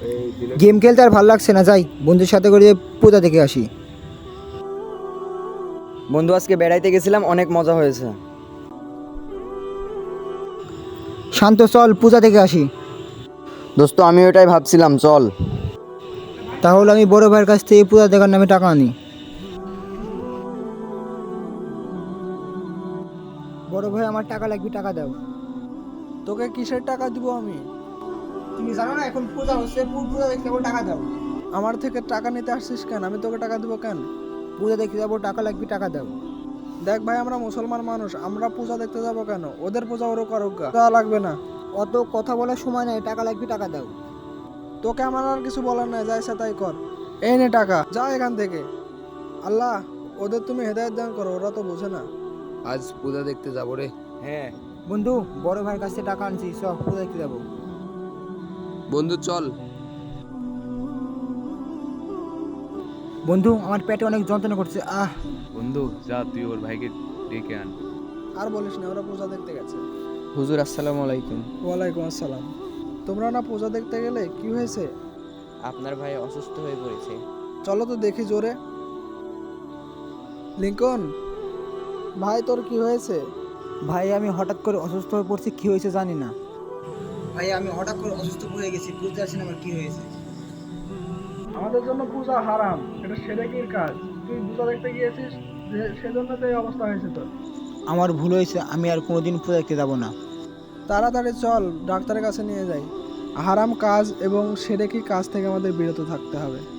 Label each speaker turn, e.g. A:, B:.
A: Game খেলতে আর ভালো লাগছে না, যাই বন্ধুর সাথে করে পূজা দেখে আসি।
B: বন্ধু আজকে বেড়াইতে গেছিলাম, অনেক মজা হয়েছে।
A: শান্ত, চল পূজা দেখে আসি।
B: দোস্ত আমি ওটাই ভাবছিলাম, চল।
A: তাহলে আমি বড় ভাইয়ের কাছ থেকে পূজা দেখার নামে টাকা আনি। বড় ভাই, আমার টাকা লাগবে, টাকা দাও।
C: তোকে কিসের টাকা দিব আমি?
A: তুমি জানো না এখন পূজা হচ্ছে, পূজা দেখতে যাবো, টাকা দাও।
C: আমার থেকে টাকা নিতে আসছিস কেন? আমি তোকে টাকা দিব কেন?
A: পূজা দেখতে যাবো, টাকা লাগবে, টাকা দাও।
C: দেখ ভাই, আমরা মুসলমান মানুষ, আমরা পূজা দেখতে যাব কেন? ওদের পূজা ওরা করুক গা। তা লাগবে না।
A: অত কথা বলার সময় নাই, টাকা লাগবে, টাকা দাও।
C: তোকে আমার আর কিছু বলার নাই, যা ইচ্ছা তাই কর। এই নে টাকা, যা এখান থেকে। আল্লাহ, ওদের তুমি হেদায়েত দান করো, ওরা তো বোঝে না।
D: আজ পূজা দেখতে যাবো রে।
B: হ্যাঁ
A: বন্ধু, বড় ভাইয়ের কাছ থেকে টাকা আনছি, সব পূজা দেখতে যাবো।
D: বন্ধু চল।
A: বন্ধু, আমার পেটে অনেক যন্ত্রণা করছে,
E: বন্ধু যা, তুই ওর ভাইকে ডেকে আন।
C: আর বলিস না, ওরা পূজা দেখতে গেছে।
B: হুজুর, আসসালামু আলাইকুম।
C: ওয়ালাইকুম আসসালাম। তোমরা না পূজা দেখতে গেলে, কি হয়েছে?
B: আপনার ভাই অসুস্থ হয়ে পড়েছে।
C: চলো তো দেখি জোরে। লিঙ্কন ভাই, তোর কি হয়েছে?
A: ভাই আমি হঠাৎ করে অসুস্থ হয়ে পড়ছি, কি হয়েছে জানি না। ভাই আমি হঠাৎ করে অসুস্থ হয়ে গেছি, বুঝতে পারছি না আমার কি হয়েছে।
C: আমাদের জন্য পূজা হারাম, এটা সেরেকির কাজ। তুই পূজা দেখতে গিয়েছিস, সেজন্য তো এই অবস্থা হয়েছে তোর।
A: আমার ভুল হয়েছে, আমি আর কোনোদিন পূজা দেখতে যাবো না।
C: তাড়াতাড়ি চল, ডাক্তারের কাছে নিয়ে যাই। হারাম কাজ এবং সেরেকি কাজ থেকে আমাদের বিরত থাকতে হবে।